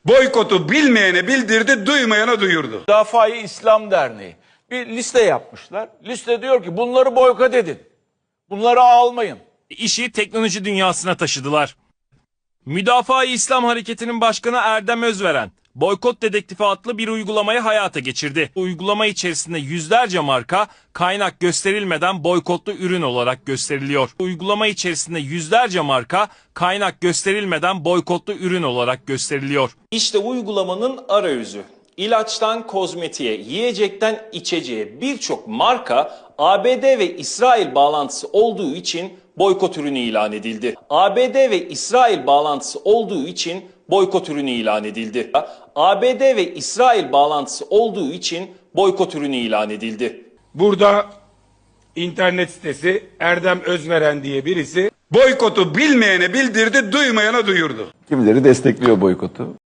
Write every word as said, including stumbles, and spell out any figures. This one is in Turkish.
Boykotu bilmeyene bildirdi, duymayana duyurdu. Müdafaa-i İslam Derneği bir liste yapmışlar. Liste diyor ki bunları boykot edin. Bunları almayın. İşi teknoloji dünyasına taşıdılar. Müdafaa-i İslam Hareketi'nin başkanı Erdem Özveren, Boykot Dedektifi adlı bir uygulamayı hayata geçirdi. Uygulama içerisinde yüzlerce marka kaynak gösterilmeden boykotlu ürün olarak gösteriliyor. Uygulama içerisinde yüzlerce marka kaynak gösterilmeden boykotlu ürün olarak gösteriliyor. İşte uygulamanın arayüzü. İlaçtan kozmetiğe, yiyecekten içeceğe birçok marka A B D ve İsrail bağlantısı olduğu için boykot ürünü ilan edildi. A B D ve İsrail bağlantısı olduğu için boykot ürünü ilan edildi. A B D ve İsrail bağlantısı olduğu için boykot ürünü ilan edildi. Burada internet sitesi Erdem Özveren diye birisi boykotu bilmeyene bildirdi, duymayana duyurdu. Kimileri destekliyor boykotu.